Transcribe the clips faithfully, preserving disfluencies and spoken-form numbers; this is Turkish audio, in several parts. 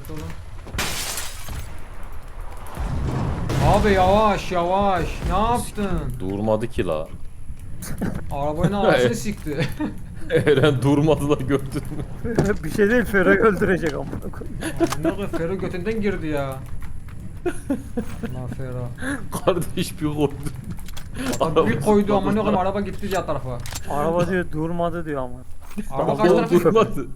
dikkatli olun. Abi yavaş yavaş. Ne yaptın? Durmadı ki la. Arabanın ağzını sikti. Eren durmadı la, gördün mü? Bir şey değil, Fero'yu öldürecek amına koyayım. Ne kadar Fero götünden girdi ya. Lan Fero. Kardeş bir koydu. Abi bir koydu ama ne Arabası kadar araba gitti diğer tarafa. Araba diyor durmadı diyor ama. Araba kaç Araba tarafa gitti? durmadı.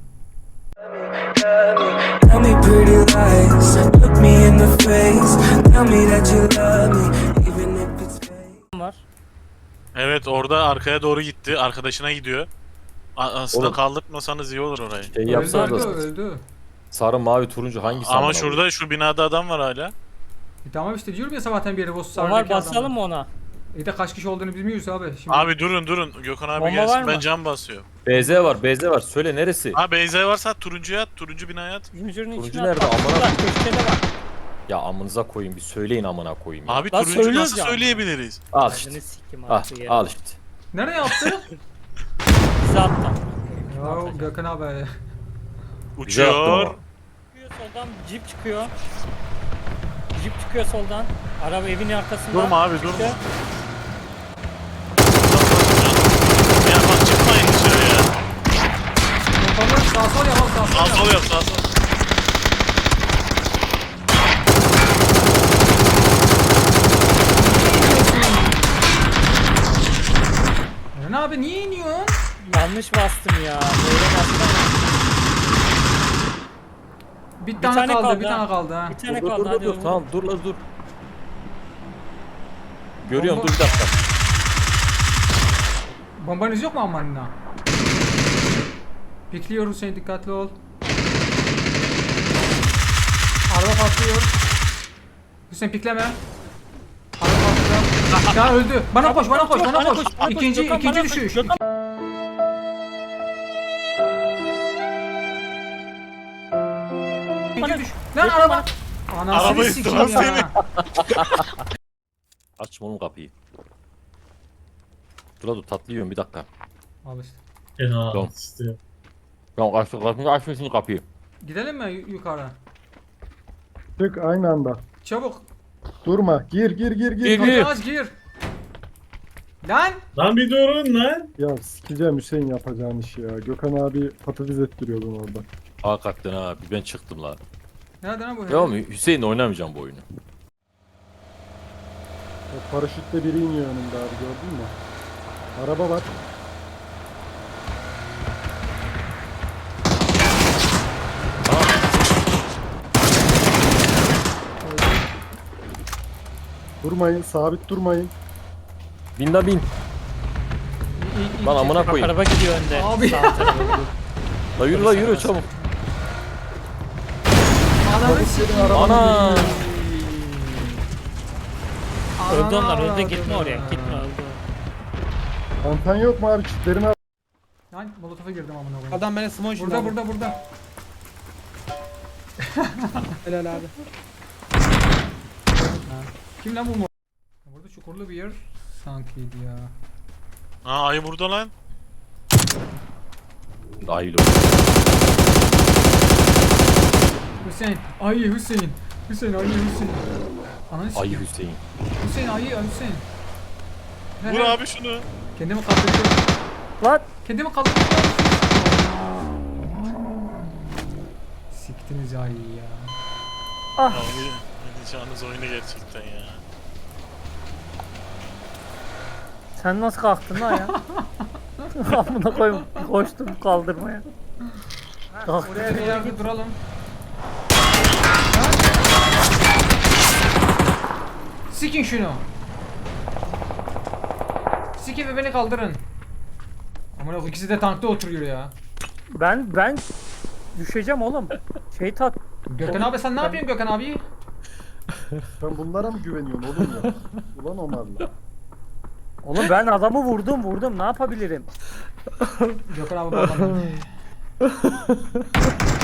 Tell me pretty lies, look me in the face. Tell me that you love me, even if it's fake. Var. Evet, orada arkaya doğru gitti. Arkadaşına gidiyor. A- Aslında Oğlum. kaldırtmasanız iyi olur orayı. Şey Öldü yapsanız öldü da öldü. sarı mavi turuncu hangisi? Ama amına şurada şu binada adam var hala. E tamam işte diyorum ya sabahtan beri boss sarıdaki Omar adam. basalım mı ona? İyi de kaç kişi olduğunu bilmiyoruz abi. Şimdi Abi durun durun. Gökhan abi Bomba var gelsin. mı? Ben cam basıyorum. B Z var, B Z var. Söyle neresi? Ha Beyza varsa turuncuya at. Turuncu binaya at. Zincirin Turuncu içine nerede? at. Amına- Bak, köşede bak. Ya amınıza koyayım, bir söyleyin amına koyayım ya. Abi Lan turuncu söylüyoruz nasıl ya. söyleyebiliriz? Al işte. Adını sikim Ah, artık ya. al işte. nereye attı? Bize attı. Ya Gökhan abi. Güzel yaptın Uçuyor. ama. Çıkıyor soldan, jeep çıkıyor. Jeep çıkıyor soldan. Araba evin arkasında. Durma abi, Çıktı. durma. Ya bak çıkmayın dışarıya. Gökhan'ı sağ sol yap sağ sol Sağ yap. sol yap sağ sol. Eren abi niye iniyorsun? Yanlış bastım ya. Böyle bastım. Bir tane, tane kaldı, kaldı bir ha. tane kaldı ha. Bir tane Dur dur kaldı dur, hadi dur. oğlum. Tamam dur la dur. Görüyorum, Bomba- dur bir dakika. Bombanız yok mu ammanına? Bekliyorum seni, dikkatli ol. Araba patlıyor. Hüseyin pikleme. Araba patlıyor. Ya öldü. Bana koş, bana koş, bana Bana koş. koş, bana koş. İkinci, Gökhan, ikinci bana koş. düşüş. Gökhan. İkinci Bana- düş. Lan Gökhan araba. bana- Anasını Arabayı sikeyim sıra ya. Açma oğlum kapıyı. Dur la dur, tatlı yiyorum bir dakika. Al işte. Fena Tamam. işte. Tamam aç, aç, aç, aç şimdi kapıyı. Gidelim mi yu- yukarı? Çık aynı anda. Çabuk. Durma. Gir gir gir gir. Gir, Kapıyı gir. aç gir. Lan. Lan bir durun lan. Ya sikeceğim Hüseyin yapacağın işi ya. Gökhan abi patates ettiriyordun orada. Hakikaten ha, bir ben çıktım la. Nerede lan bu herif? Tamam mı? Hüseyin oynamayacağım bu oyunu. O paraşütle biri iniyor önümde abi, gördün mü? Araba var. Durmayın, sabit durmayın. Bin la bin. İyi, iyi, Lan iyi. amına Bak koyayım. araba gidiyor önde. Abi. Sağ tarafa. La yürü la yürü çabuk. Ananı sikeyim. Ana. Öldü onlar, Ananı öldü. Gitme avradını. oraya. Gitme öldü. Kantan yok mu abi? Çitlerini al. Lan molotofa girdim amına koyayım. Adam beni smoke Burada burada burada. Helal abi. Kim lan bu mu? Burada çukurlu bir yer sankiydi ya. Ha ayı burada lan. Dahil ol. Hüseyin, ayı Hüseyin. Hüseyin, ayı Hüseyin. Ananı Ayı sikeyim. Hüseyin. Hüseyin, ayı Hüseyin. Ne, Vur ne? abi şunu. Kendimi kaldırdım. Lan. Kendimi kaldırdım. Siktiniz ayıyı ya. Ah. Ya oynayacağınız oyunu gerçekten ya. Sen nasıl kalktın lan ya? Amına koyayım. Koştum kaldırmaya. Kalktım. Oraya bir yerde duralım. Sikin şunu. Sikin ve beni kaldırın. Aman o ikisi de tankta oturuyor ya. Ben ben düşeceğim oğlum. Şey tat. Gökhan abi sen ne yapıyorsun Gökhan abi? Sen bunlara mı güveniyorsun oğlum ya? Ulan Omar'la. Oğlum ben adamı vurdum vurdum. Ne yapabilirim? Gökhan abi bu adamı.